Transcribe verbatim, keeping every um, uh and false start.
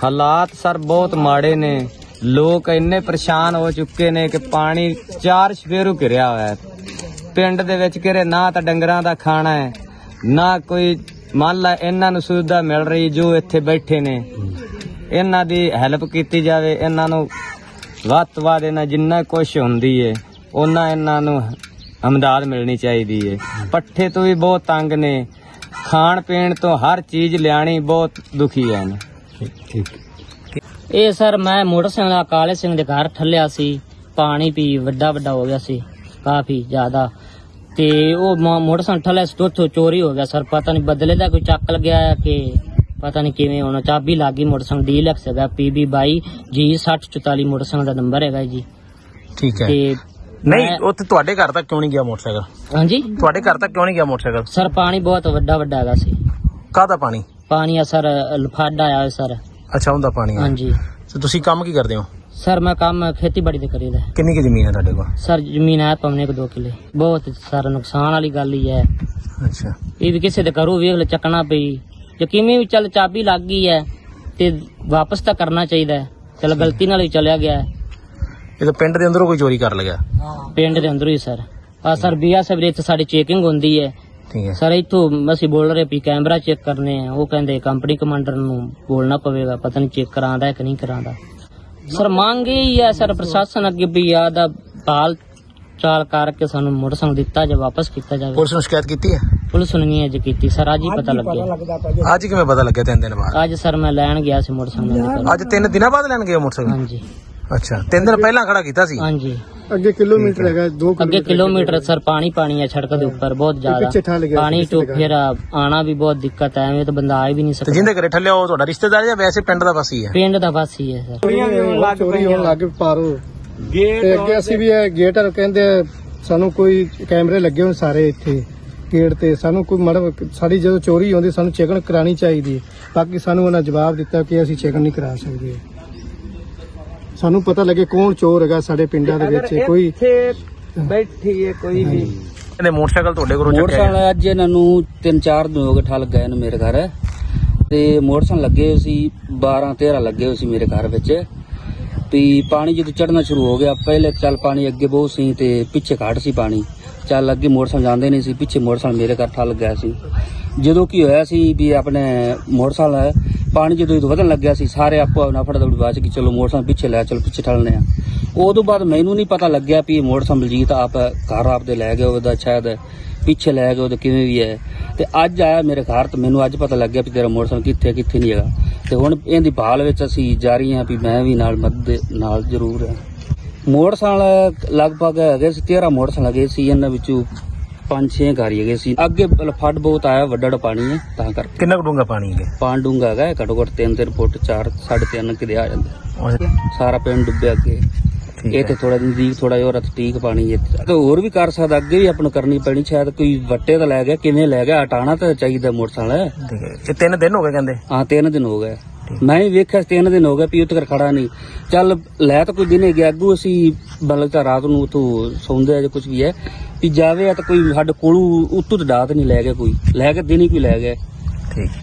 ਹਾਲਾਤ ਸਰ ਬਹੁਤ ਮਾੜੇ ਨੇ। ਲੋਕ ਇੰਨੇ ਪਰੇਸ਼ਾਨ ਹੋ ਚੁੱਕੇ ਨੇ ਕਿ ਪਾਣੀ ਚਾਰ ਸਵੇਰੋਂ ਘਿਰਿਆ ਹੋਇਆ ਹੈ ਪਿੰਡ ਦੇ ਵਿੱਚ। ਕਿਰੇ ਨਾ ਤਾਂ ਡੰਗਰਾਂ ਦਾ ਖਾਣਾ ਹੈ, ਨਾ ਕੋਈ ਮੰਨ ਲਾ ਇਹਨਾਂ ਨੂੰ ਸੁਵਿਧਾ ਮਿਲ ਰਹੀ। ਜੋ ਇੱਥੇ ਬੈਠੇ ਨੇ ਇਹਨਾਂ ਦੀ ਹੈਲਪ ਕੀਤੀ ਜਾਵੇ, ਇਹਨਾਂ ਨੂੰ ਵੱਧ ਤੋਂ ਵੱਧ ਇਹਨਾਂ ਜਿੰਨਾ ਕੁਛ ਹੁੰਦੀ ਹੈ ਉਹਨਾਂ ਇਹਨਾਂ ਨੂੰ ਅਮਦਾਦ ਮਿਲਣੀ ਚਾਹੀਦੀ ਹੈ। ਪੱਠੇ ਤੋਂ ਵੀ ਬਹੁਤ ਤੰਗ ਨੇ, ਖਾਣ ਪੀਣ ਤੋਂ ਹਰ ਚੀਜ਼ ਲਿਆਣੀ ਬਹੁਤ ਦੁਖੀ ਹੈ। ਇਹ ਸਰ ਮੈਂ ਮੋਟਰਸਾਈਕਲ ਦਾ ਕਾਲੇ ਸਿੰਘ ਦੇ ਘਰ ਠੱਲਿਆ ਸੀ। ਪਾਣੀ ਪੀ ਵੱਡਾ ਵੱਡਾ ਹੋ ਗਿਆ ਸੀ ਕਾਫੀ ਜ਼ਿਆਦਾ, ਤੇ ਉਹ ਮੋਟਰਸਾਈਕਲ ਠੱਲਿਆ ਸੀ ਤੋਂ ਉੱਥੋਂ ਚੋਰੀ ਹੋ ਗਿਆ ਸਰ। ਪਤਾ ਨਹੀਂ ਬਦਲੇ ਦਾ ਕੋਈ ਚੱਕ ਲੱਗਿਆ ਹੈ ਕਿ ਪਤਾ ਨਹੀਂ ਕਿਵੇਂ ਹੋਣਾ। ਚਾਬੀ ਲੱਗ ਗਈ ਮੋਟਰਸਾਈਕਲ ਡੀਲੈਕਸ ਹੈਗਾ ਪੀ ਬੀ ਬਾਈ ਜੀ ਸੱਠ ਚੁਤਾਲੀ ਮੋਟਰਸਾਈਕਲ ਦਾ ਨੰਬਰ ਹੈਗਾ ਜੀ। ਠੀਕ ਹੈ। ਤੇ ਨਹੀਂ ਉੱਥੇ ਤੁਹਾਡੇ ਘਰ ਤੱਕ ਕਿਉਂ ਨਹੀਂ ਗਿਆ ਮੋਟਰਸਾਈਕਲ? ਹਾਂਜੀ ਤੁਹਾਡੇ ਘਰ ਤੱਕ ਕਿਉਂ ਨਹੀਂ ਗਿਆ ਮੋਟਰਸਾਈਕਲ? ਸਰ ਪਾਣੀ ਬਹੁਤ ਵੱਡਾ ਵੱਡਾ ਹੈਗਾ ਸੀ। ਕਾਹਦਾ ਪਾਣੀ? ਪਾਣੀ ਆ ਸਰ ਲਫਾਡਾ ਆਇਆ ਸਰ। ਅੱਛਾ ਉਹਦਾ ਪਾਣੀ? ਹਾਂਜੀ। ਤੇ ਤੁਸੀਂ ਕੰਮ ਕੀ ਕਰਦੇ ਹੋ? ਸਰ ਮੈਂ ਕੰਮ ਖੇਤੀਬਾੜੀ ਦੇ ਕਰੀਦਾ। ਕਿੰਨੀ ਕੀ ਜ਼ਮੀਨ ਹੈ ਤੁਹਾਡੇ ਕੋਲ? ਸਰ ਜ਼ਮੀਨ ਹੈ ਪਵਨੇ ਕੋ ਦੋ ਕਿੱਲੇ। ਬਹੁਤ ਸਾਰਾ ਨੁਕਸਾਨ ਵਾਲੀ ਗੱਲ ਹੀ ਹੈ। ਅੱਛਾ। ਇਹ ਵੀ ਕਿਸੇ ਦੇ ਘਰੋਂ ਵੇਖ ਲੈ ਚੱਕਣਾ ਪਈ ਜੇ ਕਿਵੇਂ ਵੀ ਚੱਲ ਚਾਬੀ ਲੱਗ ਗਈ ਹੈ ਤੇ ਵਾਪਸ ਤਾਂ ਕਰਨਾ ਚਾਹੀਦਾ ਹੈ। ਚਲ ਗਲਤੀ ਨਾਲ ਹੀ ਚਲਿਆ ਗਿਆ। ਇਹ ਤਾਂ ਪਿੰਡ ਦੇ ਅੰਦਰੋਂ ਕੋਈ ਚੋਰੀ ਕਰ ਲਿਆ? ਪਿੰਡ ਦੇ ਅੰਦਰੋਂ ਹੀ ਸਰ। ਆ ਸਰ ਬੀਆ ਸਾਹਿਬ ਇੱਥੇ ਸਾਡੀ ਚੈਕਿੰਗ ਹੁੰਦੀ ਹੈ। ਠੀਕ ਹੈ ਸਰ ਇੱਥੋਂ ਅਸੀਂ ਬੋਲ ਰਹੇ ਵੀ ਕੈਮਰਾ ਚੈੱਕ ਕਰਨੇ ਆ। ਉਹ ਕਹਿੰਦੇ ਕੰਪਨੀ ਕਮਾਂਡਰ ਨੂੰ ਬੋਲਣਾ ਪਵੇਗਾ, ਪਤਾ ਨਹੀਂ ਚੈੱਕ ਕਰਾਂਦਾ ਕਿ ਨਹੀਂ ਕਰਾਂਦਾ। ਸਰ ਮੰਗ ਇਹ ਹੈ ਸਰ ਪ੍ਰਸ਼ਾਸਨ ਅੱਗੇ ਵੀ ਆ ਦਾ ਹਾਲ ਚਾਲ ਕਰਕੇ ਸਾਨੂੰ ਮੋਟਰਸਾਈਕਲ ਦਿੱਤਾ ਜਾਂ ਵਾਪਸ ਕੀਤਾ ਜਾਵੇ। ਪੁਲਿਸ ਨੂੰ ਸ਼ਿਕਾਇਤ ਕੀਤੀ ਹੈ? ਪੁਲਿਸ ਨੂੰ ਨਹੀਂ ਅਜੇ ਕੀਤੀ ਸਰ, ਅੱਜ ਹੀ ਪਤਾ ਲੱਗਿਆ। ਅੱਜ ਕਿਵੇਂ ਪਤਾ ਲੱਗਿਆ? ਤਿੰਨ ਦਿਨ ਬਾਅਦ? ਅੱਜ ਸਰ ਮੈਂ ਲੈਣ ਗਿਆ ਸੀ ਮੋਟਰਸਾਈਕਲ। ਅੱਜ ਤਿੰਨ ਦਿਨਾਂ ਬਾਅਦ ਲੈਣ ਗਏ ਮੋਟਰਸਾਈਕਲ? ਹਾਂਜੀ। ਅੱਛਾ ਤਿੰਨ ਦਿਨ ਪਹਿਲਾਂ ਖੜਾ ਕੀਤਾ ਸੀ? ਹਾਂਜੀ। ਅੱਗੇ ਕਿਲੋਮੀਟਰ ਹੈਗਾ, ਦੋ ਅੱਗੇ ਕਿਲੋਮੀਟਰ ਸਰ ਪਾਣੀ ਪਾਣੀ ਹੈ ਸੜਕ ਦੇ ਉੱਪਰ ਬਹੁਤ ਜ਼ਿਆਦਾ ਪਾਣੀ ਤੋਂ ਫਿਰ ਆਣਾ ਵੀ ਬਹੁਤ ਦਿੱਕਤ ਹੈ। ਐਵੇਂ ਤਾਂ ਬੰਦਾ ਆ ਵੀ ਨਹੀਂ ਸਕਦਾ। ਜਿੰਦੇ ਘਰੇ ਠੱਲਿਆ ਉਹ ਤੁਹਾਡਾ ਰਿਸ਼ਤੇਦਾਰ ਜਾਂ ਵੈਸੇ ਪਿੰਡ ਦਾ ਵਾਸੀ ਹੈ? ਪਿੰਡ ਦਾ ਵਾਸੀ ਹੈ ਸਰ। ਚੋਰੀ ਹੋਣ ਲੱਗ ਪਈ ਪਾਰੋ ਤੇ ਅੱਗੇ ਅਸੀਂ ਵੀ ਇਹ ਗੇਟ ਕਹਿੰਦੇ ਸਾਨੂੰ ਕੋਈ ਕੈਮਰੇ ਲੱਗੇ ਹੋਣ ਸਾਰੇ ਇੱਥੇ ਗੇਟ ਤੇ। ਸਾਨੂੰ ਕੋਈ ਮੜ ਸਾਡੀ ਜਦੋਂ ਚੋਰੀ ਹੁੰਦੀ ਸਾਨੂੰ ਚੈਕਿੰਗ ਕਰਾਣੀ ਚਾਹੀਦੀ ਹੈ। ਬਾਕੀ ਸਾਨੂੰ ਉਹਨਾਂ ਜਵਾਬ ਦਿੱਤਾ ਕਿ ਅਸੀਂ ਚੈਕਿੰਗ ਨਹੀਂ ਕਰਾ ਸਕਦੇ। ਸਾਨੂੰ ਪਤਾ ਲੱਗੇ ਕੌਣ ਚੋਰ ਹੈਗਾ ਸਾਡੇ ਪਿੰਡਾਂ ਦੇ ਵਿੱਚ। ਕੋਈ ਬੈਠੀ ਹੈ ਕੋਈ ਵੀ ਇਹਨੇ ਮੋਟਰਸਾਈਕਲ ਤੁਹਾਡੇ ਕੋਲੋਂ ਚੱਕਿਆ? ਮੋਟਰਸਾਈਕਲ ਅੱਜ ਇਹਨਾਂ ਨੂੰ ਤਿੰਨ ਚਾਰ ਦਿਨ ਹੋ ਗਏ ਠੱਲ ਗਏ ਨੇ ਮੇਰੇ ਘਰ। ਤੇ ਮੋਟਰਸਾਈਕਲ ਲੱਗੇ ਹੋਏ ਸੀ ਬਾਰਾਂ ਤੇਰਾਂ ਲੱਗੇ ਹੋਏ ਸੀ ਮੇਰੇ ਘਰ ਵਿੱਚ। ਵੀ ਪਾਣੀ ਜਦੋਂ ਚੜਨਾ ਸ਼ੁਰੂ ਹੋ ਗਿਆ ਪਹਿਲੇ ਚੱਲ ਪਾਣੀ ਅੱਗੇ ਬਹੁਤ ਸੀ ਤੇ ਪਿੱਛੇ ਘੱਟ ਸੀ ਪਾਣੀ। ਚੱਲ ਅੱਗੇ ਮੋਟਰਸਾਈਕਲ ਜਾਂਦੇ ਨਹੀਂ ਸੀ, ਪਿੱਛੇ ਮੋਟਰਸਾਈਕਲ ਮੇਰੇ ਘਰ ਠੱਲ ਗਿਆ ਸੀ। ਜਦੋਂ ਕੀ ਹੋਇਆ ਸੀ ਵੀ ਆਪਣੇ ਮੋਟਰਸਾਈਕਲ ਪਾਣੀ ਜਦੋਂ ਵਧਣ ਲੱਗਿਆ ਸੀ ਸਾਰੇ ਆਪੋ ਨਫੜ ਦੌੜੀ ਬਾਅਦ ਕਿ ਚਲੋ ਮੋਟਰਸਾਈਕਲ ਪਿੱਛੇ ਲੈ ਚਲੋ ਪਿੱਛੇ ਠੱਲਨੇ ਆ। ਉਦੋਂ ਬਾਅਦ ਮੈਨੂੰ ਨਹੀਂ ਪਤਾ ਲੱਗਿਆ ਵੀ ਇਹ ਮੋਟਰਸਾਈਕਲ ਬਲਜੀਤ ਆਪ ਘਰ ਆਪਦੇ ਲੈ ਗਏ ਉਹਦਾ ਸ਼ਾਇਦ ਪਿੱਛੇ ਲੈ ਗਏ ਉਹਦਾ ਕਿਵੇਂ ਵੀ ਹੈ। ਤੇ ਅੱਜ ਆਇਆ ਮੇਰੇ ਘਰ ਤੇ ਮੈਨੂੰ ਅੱਜ ਪਤਾ ਲੱਗਿਆ ਵੀ ਤੇਰਾ ਮੋਟਰਸਾਈਕਲ ਕਿੱਥੇ ਕਿੱਥੇ ਨਹੀਂ ਹੈਗਾ। ਤੇ ਹੁਣ ਇਹਦੀ ਭਾਲ ਵਿੱਚ ਅਸੀਂ ਜਾਰੀ ਹਾਂ ਵੀ ਮੈਂ ਵੀ ਨਾਲ ਮਦਦ ਨਾਲ ਜ਼ਰੂਰ ਹਾਂ। ਮੋਟਰਸਾਈਕਲ ਲਗਭਗ ਹੈਗੇ ਸੀ ਤੇਰਾਂ ਮੋਟਰਸਾਈਕਲ ਹੈਗੇ ਸੀ, ਇਹਨਾਂ ਵਿੱਚੋਂ ਪੰਜ ਛੇ ਘਰ ਹੈਗੇ ਸੀ। ਅੱਗੇ ਫੱਡ ਬਹੁਤ ਆਇਆ, ਵੱਡਾ ਵੱਡਾ ਪਾਣੀ ਹੈ ਤਾਂ ਕਰਕੇ। ਕਿੰਨਾ ਕੁ ਡੂੰਘਾ ਪਾਣੀ ਹੈ? ਪਾਣੀ ਡੂੰਘਾ ਹੈਗਾ ਘੱਟੋ ਘੱਟ ਤਿੰਨ ਤਿੰਨ ਫੁੱਟ ਚਾਰ ਸਾਢੇ ਤਿੰਨ ਕਿਤੇ ਆ ਜਾਂਦਾ। ਸਾਰਾ ਪਿੰਡ ਡੁੱਬਿਆ ਅੱਗੇ। ਇਹ ਤੇ ਥੋੜਾ ਨਜ਼ਦੀਕ ਥੋੜਾ ਜਿਹਾ ਠੀਕ ਪਾਣੀ ਹੈ ਤੇ ਹੋਰ ਵੀ ਕਰ ਸਕਦਾ। ਅੱਗੇ ਵੀ ਆਪਾਂ ਨੂੰ ਕਰਨੀ ਪੈਣੀ। ਸ਼ਾਇਦ ਕੋਈ ਵੱਟੇ ਤਾਂ ਲੈ ਗਿਆ ਕਿਵੇਂ ਲੈ ਗਿਆ, ਹਟਾਣਾ ਤਾਂ ਚਾਹੀਦਾ ਮੋਟਰਸਾਈਕਲ। ਇਹ ਤਿੰਨ ਦਿਨ ਹੋ ਗਏ ਕਹਿੰਦੇ? ਹਾਂ ਤਿੰਨ ਦਿਨ ਹੋ ਗਏ। ਮੈਂ ਵੀ ਵੇਖਿਆ ਤਿੰਨ ਦਿਨ ਹੋ ਗਏ ਵੀ ਉੱਥੇ ਖੜਾ ਨਹੀਂ। ਚੱਲ ਲੈ ਤਾਂ ਕੋਈ ਦਿਨੇ ਗਿਆ ਅੱਗੂ ਅਸੀਂ ਬਲਕ ਤਾਂ ਰਾਤ ਨੂੰ ਉੱਥੋਂ ਸੌਂਦੇ ਆ ਜਾਂ ਕੁਝ ਵੀ ਹੈ ਵੀ ਜਾਵੇ ਤਾਂ ਕੋਈ ਸਾਡੇ ਕੋਲੋਂ ਉੱਤੋਂ ਤਾਂ ਡਾਤ ਨਹੀਂ ਲੈ ਗਿਆ, ਕੋਈ ਲੈ ਕੇ ਦਿਨ ਹੀ ਕੋਈ ਲੈ ਗਿਆ। ਠੀਕ।